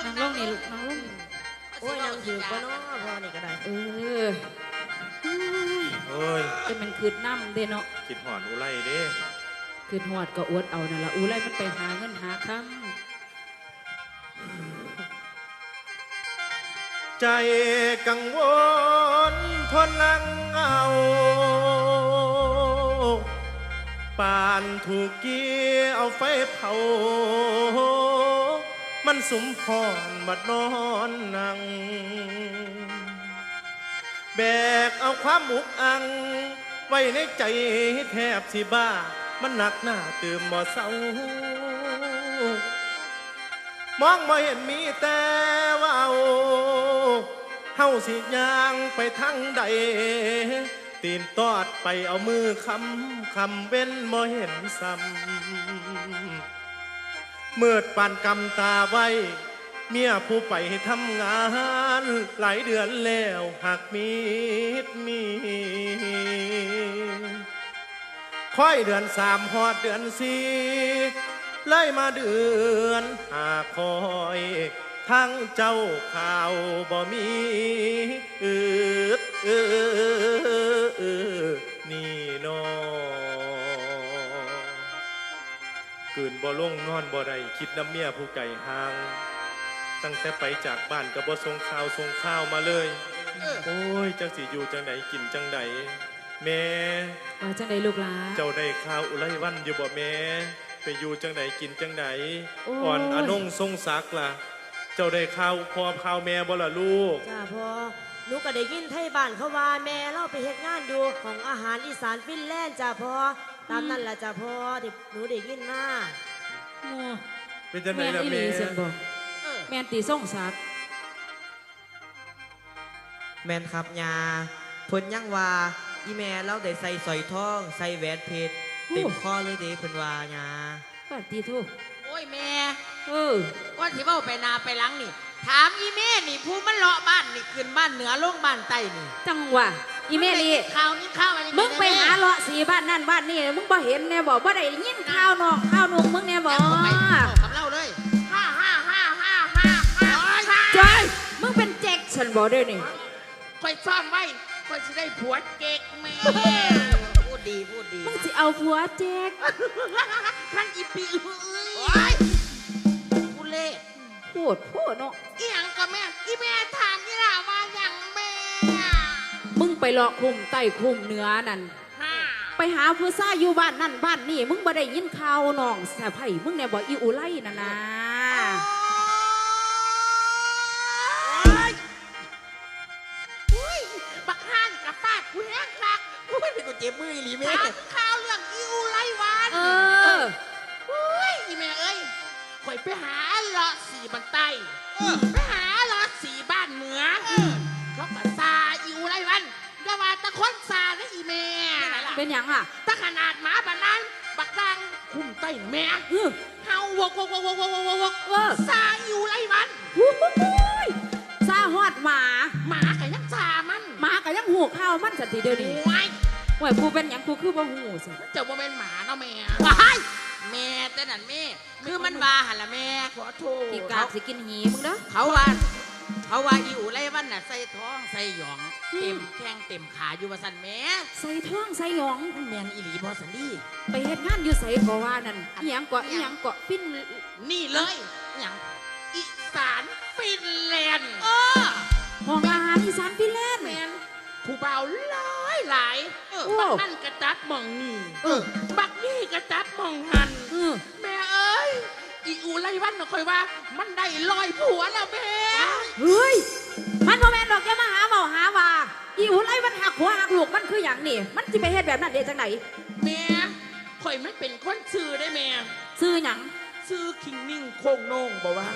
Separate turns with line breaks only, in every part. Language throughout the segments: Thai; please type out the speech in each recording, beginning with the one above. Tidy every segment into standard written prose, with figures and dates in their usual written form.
นางลงนี่ลูกนางลง
โอ้ยนางถือก็เนาะพอนี่ก็ได้
เออ
เอ้ย
จะมันคืดน้ำเด้เนาะ
คิดหอนอุไรเด้
คืดหอดก็อวดเอานั่นละอูไรมันไปหาเงินหาค
ใจกังวลทนนั่งเอาปานถูกเกี่ยวเอาไฟเผามันสุมพรบัดนอนนั่งแบกเอาความอุกอังไว้ในใจแทบสิบ้ามันหนักหน้าเติมบ่เศร้ามองบ่เห็นมีแต่ว่าเฮาสิย่างไปทางใดตีนตอดไปเอามือคำเว้นบ่เห็นซ้ำมืดปานกำตาไว้เมียผู้ไปทำงานหลายเดือนแล้วหากมีค่อยเดือน3ฮอดเดือน4เลยมาเดือน5คอยทั้งเจ้าข่าวบ่มีนี่นอกืนบ่ลงนอนบ่ได้คิดน้ำเมียผู้ไก่ห่างตั้งแต่ไปจากบ้านก็บ่ส่งข้าวมาเลยโอ้ยจังสิอยู่จังใดกินจังใดแม่
ว่าจังใดลูกหลา
เจ้าได้ข้าวอุไรวันอยู่บ่แม่ไปอยู่จังใดกินจังใดอ่อนอนงทรงศักดิ์ล่ะเจ้าได้ข้าวพ่อข้าวแม่บ่ล่ะลูก
จ้าพ่อหนูก็ได้ยินไทยบ้านเขาว่าแม่เราไปเฮ็ดงานอยู่ของอาหารอีสานฟินแลนด์จ้าพ่อตามนั่นล่ะจ้าพ่อที่หนูได้ยินมา
เป็นจังไดล่ะแม่
แม่ตีส่งศักดิ์
แม่นครับยาเพิ่นยังว่าอีแม่เราได้ใส่สร้อยทองใส่แหวนเพชรเต็มข้อเลยเด้เพิ่นว่ายา
ปฏิทุ
โอ้ยแม่
ก้
อนที่เว้าไปนาไปหลังนี่ถามอีแม่นี่ผู้มันเลาะบ้านนี่ขึ้นบ้านเหนือลงบ้านใต้นี่
จังหวะอีแม่นี่
ข่าวนี้ข่าวอะไร
มึงไปหาเลาะสีบ้านนั่นบ้านนี่มึงบ่เห็นแน่บอกบ่ได้ยินข่าวนอกข่าวนุ่งมึงแน่บอก
กับเล่าเลย
จอยมึงเป็นแจ็คฉันบอกด้วยนี่
คอยซ่อนไว้คอยจะได้ผัวเจ๊กแม่พูดดี
มึงจะเอาผัวแจ็ค
ท่านอีปีเอ้ยกูเล่
พูดเนาะ
อีหยังก็แม่อีแม่ถามยี่ล่ะว่าอย่างแม่
มึงไปเลาะคุมใต้คุมเหนือนั่นไปหาผู้ซ่าอยู่บ้านนั่นบ้านนี่มึงบ่ได้ยินข่าวน้องสะใภ้มึงเนี่ยบอกอีอุไลน่ะนะ
บักฮานกับฟาดกูแห้งคัก
กูไม่เป็นกูเจ็บมือหรือแม่
ข่าวเรื่องอีอุไลวันอีแม่เอ้ยข่อยไปหาเลาะสีบ้านใต้ไปหาเลาะสีบ้านเหนือเขาก็ซาอีอุไลวันอย่าว่าตะคนซานะอีแม่
เป็นหยังอ่ะ
ตะขนาดหมาบ้านนั้นบักดังคุ้มใต้แม่เฮาวกซาอีอุไลวัน
ซาฮอดหมา
ก็ยังซามัน
หมาก็ยังหูข้าวมันสันทีเดียวนี้ว่ากูเป็นหยังกูคือบ่หูสิ
เจ้าบ่เป็นหมาเนาะแม่แม่แต่นั่นแม่คือมันบาหันละแม่ขอโทษ
ที่กากสิกินหีมึงเด้อ
เขาว่าอีอูไรวันน่ะใส่ท้องใส่หยองเต็มแข้งเต็มขาอยู่ว่าสันแม่
ใส่ท้องใส่หยอง
แม่นอีหลีบอสันดี
ไปเฮ็ดงานอยู่ใส่ก็ว่านั่นอีหยังเกาะฟิน
นี่เลยหยังอีสานฟินแลนด์
ห้องอาหารอีสานฟินแลนด์
แม่นผู้เบาหลายบักนั่นกระจัดมองนี่บักนี่กระจัดมองหันแม่เอ้ยอีอูไรวันน่ะคอยว่ามันได้ลอยผัวแล้วแม่
เฮ้ยมันบ่แม่นดอกแกมาหาเมาหาว่าอีอูไรมันหักหัวหักลูกมันคืออย่างนี่มันสิไปเฮ็ดแบบนั้นได้จังไหน
แม่คอยไม่เป็นคนซื่อได้แม่
ซื่อหยัง
ซื่อคิงนิ่งโคงโน่งบอกว่า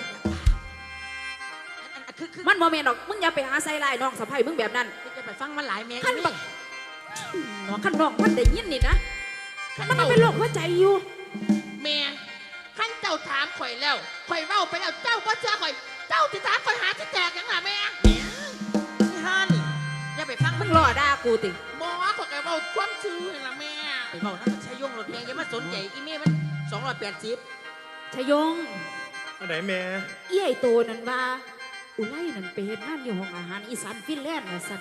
มันบ่แม่นดอกมึงอย่าไปหาใส่ลายน้องสะใภ้มึงแบบนั้น
จะไปฟังมันหลายแม่
ขั้นบักขั้นน้องมันได้ยินนี่นะมันเป็นโรคหัวใจอยู่
แม่ขั้นเจ้าถามข่อยแล้วข่อยเว้าไปแล้วเจ้าก็เชื่อข่อยเจ้าที่ถามข่อยหาที่แจกยังไงแม่นี่ฮะนี่อย่าไปฟัง
มันรอด่ากูติ
บอกว่าข่อยเว้าความชื่อละแม่ไปเว้านั่นใช้ยงรถแม่อย่ามาสนใจอีเม่มัน280
ชยง
อันไหนแม่
เอี้ยโตนั่นว่าอุไลนั่นไปเฮ็ดงานอยู่ห้องอาหารอีสานฟินแลนด์น่ะสั่น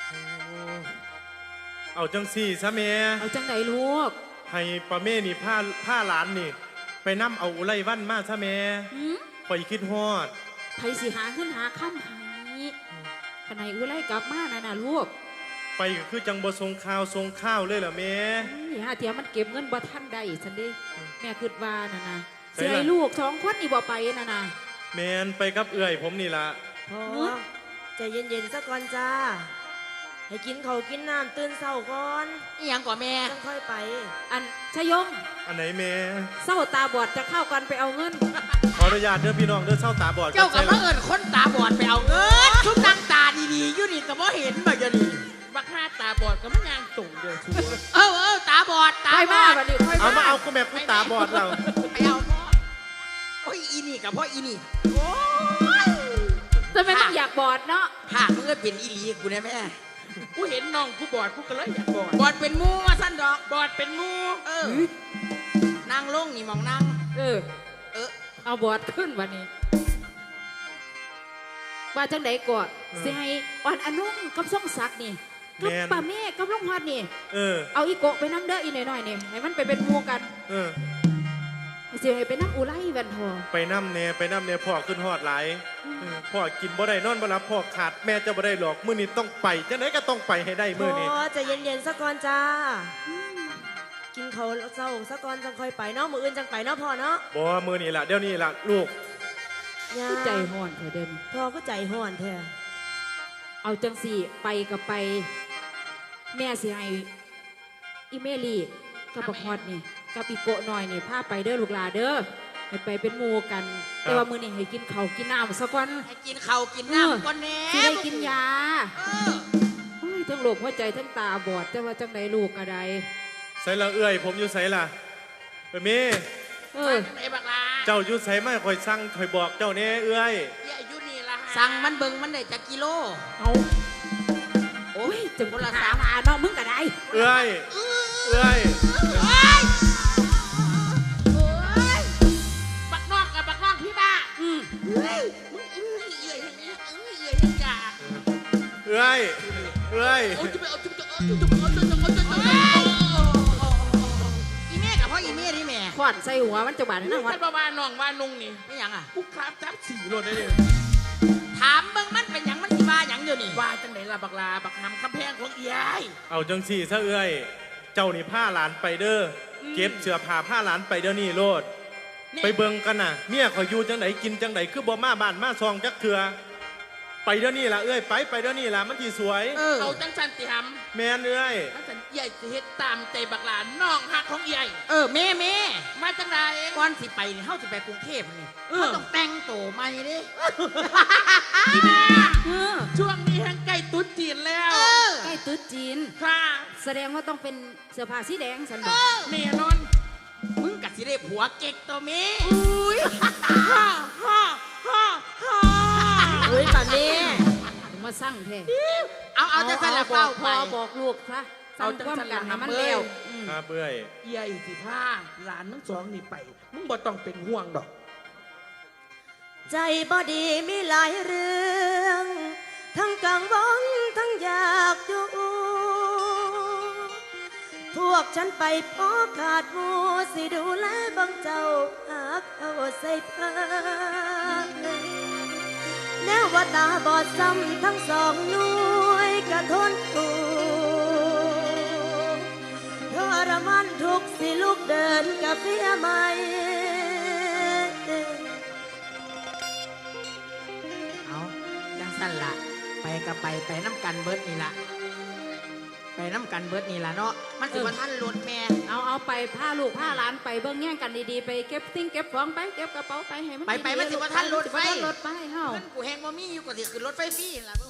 เอาจังสี่ซะแม่
เอาจังไดลูก
ให้ป้าเม่นี่ผ้าหลานนี่ ไปนำเอาอุไรวันมาซะแม่
หืม
ข่อยคิดฮอด
ไผสิหาขึ้นหาค่ำให้ขณะอุไลกลับมาน่ะลูก
ไปก็คือจังบ่ทรงข้าวเลยเหรอแม่
นี่หาเทียมันเก็บเงินบ่ทันได้ซั่นเด้แม่คิดว่าน่ะนะ
ใส่
สิ
ล่ะ
ให้ลูกสองคนนี่บ่ไปน่ะนะ
แมนไปกับเอื่อยผมนี่ละ
พอใจเย็นๆซะก่อนจ้า ให้กินเขาวกินน้ำตื่นเศร้าก่อน
อีหยังก่อนแม่
จังค่อยไป
อันชยง
อันไหนแม่
เศร้าตาบอดจะเข้ากันไปเอาเงิน
ขออนุญาตเด้อพี่น้องเด้อเศร้าตาบอด
เจ้ากับ
ใส่
มา
ละ
เอิญคนตาบอดไปเอาเงินชุบนางตาดีๆอยู่นี่ก็บ่เห็นบ่จะนี่บักห้าตาบอดก็มันยางส่งเดียวชัวตาบอดตา
ไป
บ
มา
อด
บัดนี้ค่อย
เอามา
มา
เอากูแม่กูตาบอดเรา
ไปเอาพ่อโอ้ยอีนี่กับพ่ออีนี่โอ้ย
ทำไมต้องอยากบอดเนาะ
หากมึงก็เป็นอีหลีกูนะแม่กูเห็นน้องกูบอดกูก็เลยอยากบอดบอดเป็นมูว่าสั้นดอกบอดเป็นมูนางลงนี่มองนาง
เออ
เออ
เอาบอดขึ้นวันนี้ ว่าจังไดก่อนสิให้อ่อนอนุ่งกับส่งศักดิ์นี่กับป้าแม่กับลุงฮอดนี่
เออ
เอาอีโกะไปน้ำเด้ออีหน่อยๆนี่ให้มันไปเป็นหมู่กัน
เออ
สิให้ไปน้ำอุไลแวนทอ
ไปน้ำเนี่ยพ่อขึ้นฮอดหลายพ่อกินบ่ได้นอนบ่หลับพ่อขาดแม่จะบ่ได้หรอกมื้อนี้ต้องไปจังไหนก็ต้องไปให้ได้
พ
มื้อนี้
อใจเย็นๆซะก่อนจ้า กินเขาวเศร้าซะก่อนจังค่อยไปเนาะมืออื่นจังไปเนาะพ่อเนาะ
บ่มื้อนี้ล่ะเดี๋ยวนี้ล่ะลูก
ย่า
คือใจห่อนเถอะเดิน
พ่อก็ใจห่อนแท้
เอาจังสี่ไปกับไป แม่สิให้อีเมลีกับบักฮอดนี่กับอีโกะหน่อยนี่พาไปเด้อลูกหลาเด้อให้ไปเป็นหมู่กัน แต่ว่ามื้อนี้ให้กินข้าวกินน้ำซะก่อน
ให้กินข้าวกินน้ำก่อนแน่
สิได้กินยา
เออ
โอ้ยทั้งโรคหัวใจทั้งตาบอดแต่ว่าจังไดลูกก็ได้
ใส่ละเอื้อยผมอยู่ไสล่ะไปแม่
เอ
เอ
อ
อไอ้บักลา
เจ้าอยู่ไสมาข่อยสั่งข่อยบอกเจ้าแน่เอื้อย
อย่าอยู่นี่ละสั่งมันเบิ่งมันได้จักกิโล
เอาโอ้ยจังคนละสามหาเนาะมึงก็ได้
เอื้อยเอื้อย
บักนอกกับบักนอกพี่บ้า
อืม
เฮ้ยมึงเอื่อยอย่างนี้เอื่อยอย่างจ่า
เอื้อยเอื้อย
เอาจุ๊บเอาจุ๊บเอาจุ๊บเอาจุ๊บเอาจุ๊บเอาจุ๊บอีแม่กับพ่ออีแม่นี่แม่
ขวานใส่หัวมันจะบาด
นี่
นะวั
คั
ด
นบ้าน้องว่านุ่งนี่
ไม่หยังอ่ะ
กูครับจับสี่รถได้เลย
ถามเบิ่งมันเป็นหยังมันสิว่าหยังเดี๋ยวนี้
ว่าจังไหนล่ะบักลาบักหำคำแพงของยาย
เอาจังสี่ซะเอื้อยเจ้านี่ผ้าหลานไปเด้อเก็บเสื้อผ้าผ้าหลานไปเดี๋ยวนี้โลด ไปเบิ่งกันน่ะเมียข่อยอยู่จังไหนกินจังไหนคือบ่มาบ้านมาซองจักเถื่อไปเดี๋ยวนี้ล่ะเอ้ยไปเดี๋ยวนี้ล่ะมันสิสวย
เอาจังสันติห
แม่นเอ้ย
ำจังสันใหญ่สิเฮ็ดตามใจบักหลานน้องหักของใหญ่
แม่
มาจังไร
ก่อนสิไปนี่เฮาสิไปกรุงเทพนี่เขาต้องแต่งโตวใหม่เด้
เออ
ช่วงนี้แห่งใกล้ตุ๊ดจีนแล้ว
ใกล้ตรุ๊จีน
ค่ะ
แสดงว่าต้องเป็นเสื้อผ้าสีแดงสันบอก
แน่นอน
มึงกะสิได้ผัวเก๊กตัวแม่
อุ้ยฮ่าฮ่าฮ่าฮ่า
เฮ้ยป่าแม่
ถึงมาสั่งแท้
เอาจะใส่ละ
บอ
เฝ้าก ไป
พ่อบอกลูกซะสั่งความกันให้มันแล้วอืม
ครับเอ้ย
ใหญ่สิผ้าหลานทั้งสองนี่ไป มึงบ่ต้องเป็นห่วงดอก
ใจบ่ดีมีหลายเรื่อง ทั้งกังวลทั้งอยากอยู่พวกฉันไปพอขาดหมูสิดูแลบังเจ้าหากเอาใส่ผ้าแนวว่าตาบอดซ้ำทั้งสองหน่วยกระทนถูกทรมานทุกข์สิลูกเดินกับเพียใหม่
เอาจังสั่นละไปกับไปน้ำกันเบิดนี่ละไปน้ำกันเบิดนี่ละเนาะมันสิว่าท่านรถแม่
เอาไปผ้าลูกผ้าหลานไปเบิ่งแย่งกันดีๆไปเก็บสิ่งเก็บของไปเก็บกระเป๋าไปให้มัน
ไปมันสิว่าท่านรถไฟ
สิว่าท่านรถไปเฮา
เงินกูแหงว่ามีอยู่ก็สิขึ้นรถไฟฟรีล่ะเบิ่ง